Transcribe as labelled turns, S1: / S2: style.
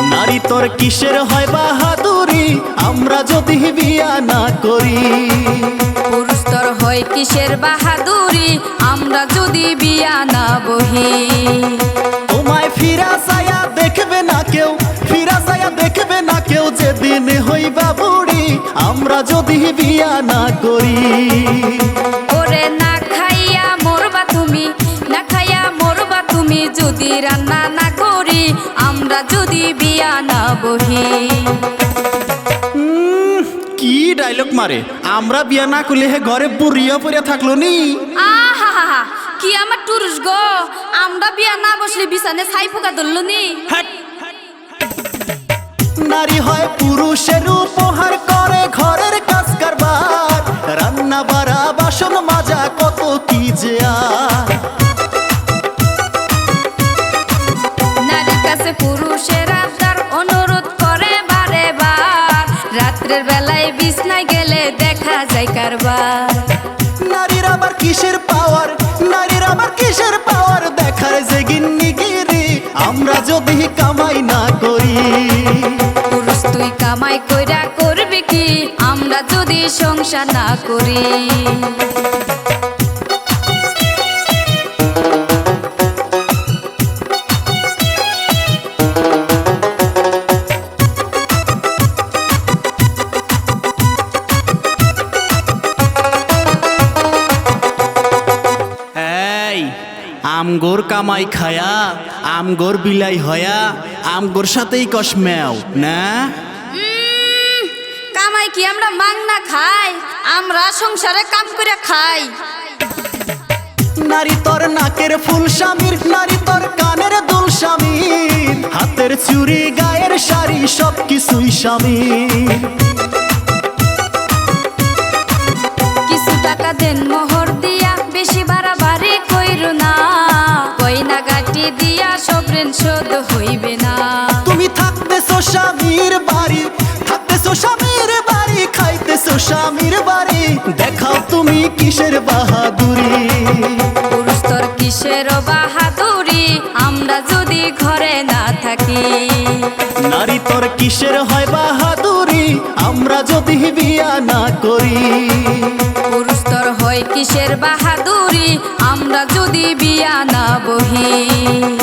S1: নারী তোর কিসের হয় বাহাদুরি আমরা যদি বিয়া না করি?
S2: পুরুষ তোর হয় কিসের বাহাদুরি আমরা যদি বিয়া না বহি?
S1: তোমায় ফিরা চায়া দেখবে না কেউ, ফিরা চায়া দেখবে না কেউ, যেদিন হইবা বুড়ি আমরা যদি বিয়া না করি।
S2: ওরে না খাইয়া মরবা তুমি, না খাইয়া মরবা তুমি যদি রান্না না করি আমরা যদি বিয়া না বহি।
S1: কি ডায়লগ মারে, আমরা বিয়া না করলে হে ঘরে বুড়িয়া পড়ে থাকলো নি।
S2: আহা কি আমার টুরুস গো, আমরা বিয়া না বসলে বিছানে ছাই পোকা ধরল নি।
S1: নারী হয় পুরুষের উপহার, করে ঘরের কাজ কারবার, রান্না বাড়া বাসন মাজা কত কি যে আর।
S2: নারীর কাছে পুরুষের আবদার অনুরোধ করে বারে বার, রাত্রের বেলায় বিছনায় গেলে দেখা যায় কারবার।
S1: নারীর আবার কিসের পাওয়ার, নারীর আবার কিসের পাওয়ার, দেখার যে গিন্নিগিরি আমরা যদি কামাই না করি।
S2: পুরুষ তুই কামাই কইরা করবি কি আমরা যদি সংসার না করি?
S1: আমগোর কামাই খায়া আমগোর বিলাই হয়া আমগোর সাথেই কসমেও না।
S2: কামাই কি আমরা মাংনা খাই, আমরা সংসারে কাম করে খাই।
S1: নারী তোর নাকের ফুল স্বামীর, নারী তোর কানের দুল স্বামীর, হাতের চুড়ি গায়ের শাড়ি সব কিছুই স্বামীর।
S2: কিছু টাকা দেন মোহর দিয়া, বেশি বাড়াবাড়ি কইরো না, গয়না গাটি দিয়া সব ঋণ শোধ হইবে না।
S1: তুমি থাকতেছো স্বামীর বাড়ি, থাকতেছো স্বামীর বাড়ি, খাইতেছো স্বামীর বাড়ি, দেখাও তুমি কিসের বাহাদুরি।
S2: পুরুষ তোর কিসের বাহাদুরি আমরা যদি ঘরে না থাকি?
S1: নারী তোর কিসের হয় বাহাদুরি আমরা যদি বিয়া না করি?
S2: পুরুষ তোর হয় কিসের বাহাদুরি আমরা যদি বিয়া না বহি?